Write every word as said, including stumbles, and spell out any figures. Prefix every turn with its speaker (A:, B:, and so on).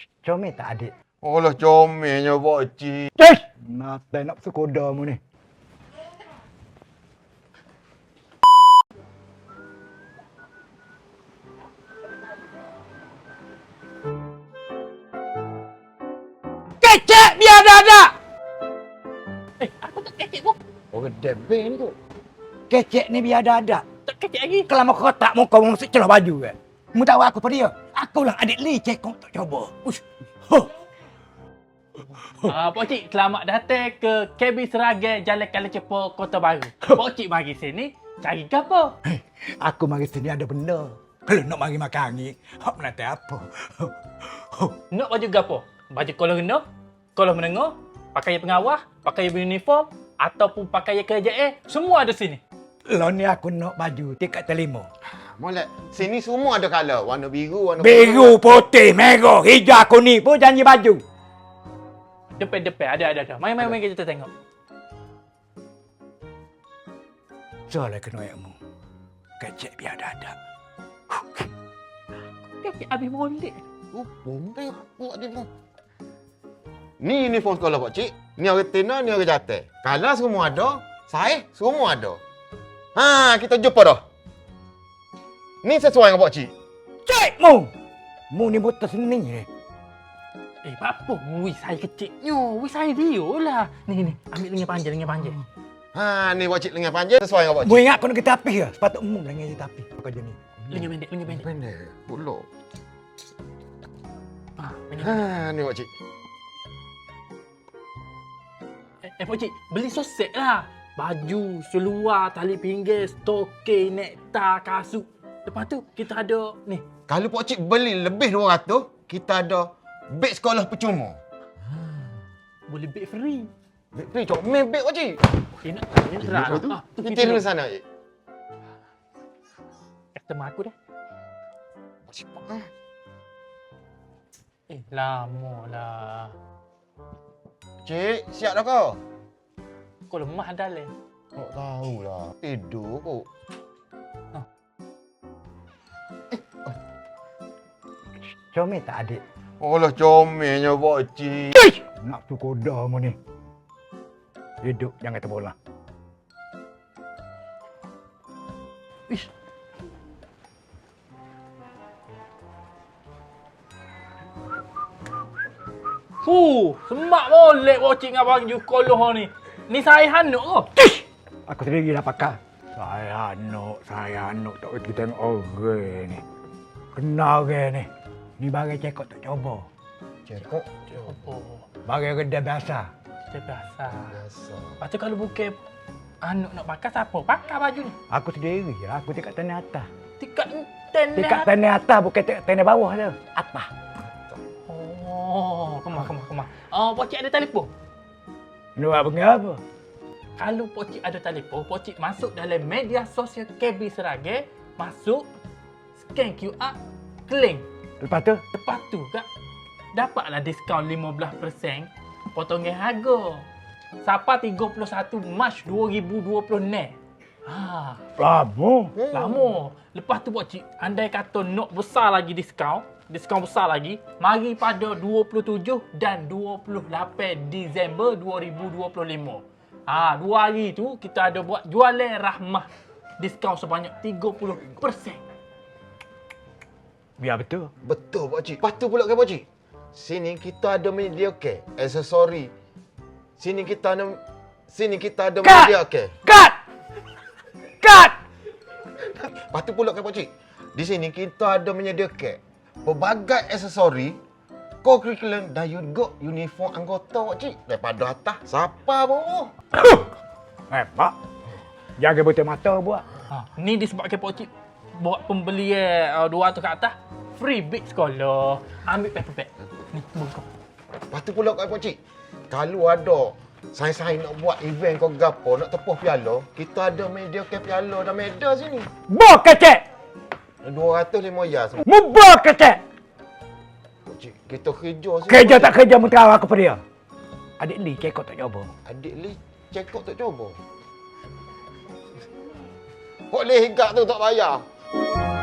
A: Comel tak adik?
B: Alah comelnya pakcik.
A: Cih! Nata nak sekoda mu ni. Kecek biar ada.
C: Eh, aku tak kecek pun.
A: Oh, debel ni tu. Kecek ni biar ada.
C: Tak kecek lagi.
A: Kalau mau kotak muka mu mesti celah baju kan. Mu tahu aku pada dia. Aku lah adik Lee cekong tak coba. Ush. Huh.
C: Ah, Pakcik, selamat datang ke K B Seragai Jalan Kala Cepo, Kota Baru. Pakcik mari sini cari gapo?
A: Hey, aku mari sini ada benda. Kalau nak mari makan angin, hak menanti apa?
C: Nak baju gapo? Baju kolor rendah, kolor menengah, pakaian pengawal, pakaian uniform ataupun pakaian kerja eh, semua ada sini.
A: Lo ni aku nak baju tingkat terlima.
B: Molek, sini semua ada colour. Warna biru, warna
A: Biru, putih, merah, hijau, kuning pun janji baju.
C: Depan-depan ada ada ada. Mari mari mari kita tengok.
A: Soalnya kena ayakmu. Kecek biar ada.
C: Kecek habis molek.
B: Oh, boleh apa dia tu? Ni uniform sekolah pakcik. Ni orang tena, ni orang jatuh. Kalau semua ada, saya semua ada. Ha, kita jumpa dah. Ni sesuai dengan pakcik.
A: Cek mu! Mu ni botol seni ni.
C: Eh, apa? Wih, saya kecilnya. Wih, saya dia lah. Ni, ni. Ambil lengan panjang, lengan panjang.
B: Ha, ni pakcik lengan panjang sesuai dengan pakcik.
A: Mu ingat aku nak kita api ke? Sepatut mu lengan kita api. Kerja ni.
C: Lengan pendek, lengan pendek.
B: Pendek, pulak.
C: Ah, lengan
B: Ha, ni pakcik.
C: Eh, eh Pakcik, beli sosek lah. Baju, seluar, tali pinggir, stokin, nektar, kasut. Lepas tu, kita ada ni.
B: Kalau pakcik beli lebih dua ratus, kita ada beg sekolah percuma.
C: Boleh beg free.
B: Beg free, comel beg pakcik.
C: Eh, nak tanya terang. Ah, tu
B: Kita
C: kita
B: dulu sana, pakcik.
C: customer aku dah.
B: Pakcik, ah.
C: Eh, lama lah.
B: Cik, siap dah kau?
C: Kau lemah dah le.
B: Tak tahulah. Tidur kok.
A: Comel tak adik?
B: Alah comelnya pakcik.
A: Cih! Nak tu koda mu ni. Hidup jangan terbola.
C: Ish. Fuh, semak molek Pakcik dengan baju sekolah ni. Ni saya hanuk ke?
A: Cih! Aku sendiri dah pakai. Saya anuk, saya anuk. Tak boleh kita tengok orang ni. Kenal orang ni. Ni barang cekok tak coba.
B: Cekok?
C: Apa?
A: Barang kedai biasa.
C: Kita biasa.
B: Biasa.
C: Lepas tu kalau bukan anuk nak pakai, siapa pakai baju ni?
A: Aku sendiri lah. Aku tingkat tanah atas.
C: Tingkat ten
A: Tingkat tanah atas bukan tingkat tanah bawah tu. Atas.
C: Oh, kemah, kemah, kemah. Oh, Pakcik ada telefon?
A: Nak buat benda apa?
C: Kalau Pakcik ada telefon, Pakcik masuk dalam media sosial K B Seragai, masuk, scan Q R, claim.
A: Lepas tu?
C: Lepas tu, Kak, dapatlah diskaun lima belas peratus potongan harga. Sampai tiga puluh satu Mac dua ribu dua puluh enam. Ha,
A: Lama.
C: lama. Lepas tu Pakcik, andai kata nak besar lagi diskaun, diskaun besar lagi, mari pada dua puluh tujuh dan dua puluh lapan Disember dua ribu dua puluh lima. Ha, dua hari tu kita ada buat jualan rahmah. Diskaun sebanyak tiga puluh peratus.
A: Biar betul.
B: Betul pakcik. Lepas tu pula kan pakcik. Sini kita ada menyediakan aksesori. Sini kita ada sini kita ada
A: Cut!
B: menyediakan.
A: Cut! Cut!
B: Lepas tu pula kan pakcik. Di sini kita ada menyediakan pelbagai aksesori co-curriculum dan juga uniform anggota pakcik. Daripada atas siapa bawah.
A: Eh, Pak. Jaga betul mata buat.
C: Ha, ni disebabkan Pakcik buat pembelian uh, dua ratus ke atas, free beg sekolah. Ambil paper bag. Ni, buka.
B: Lepas tu pula kan pakcik. Kalau ada saya-saya nak buat event kau gapo, nak tepuh piala, kita ada media ke piala dan medal sini.
A: Bok kecek!
B: dua ratus lima ya semua.
A: Mubah kecek!
B: Pakcik, kita kerja sini.
A: Kerja tak kerja mentera aku pada dia. Adik Lee kekot tak coba.
B: Adik Lee cekok tak coba. Kok Lee hingga tu tak bayar?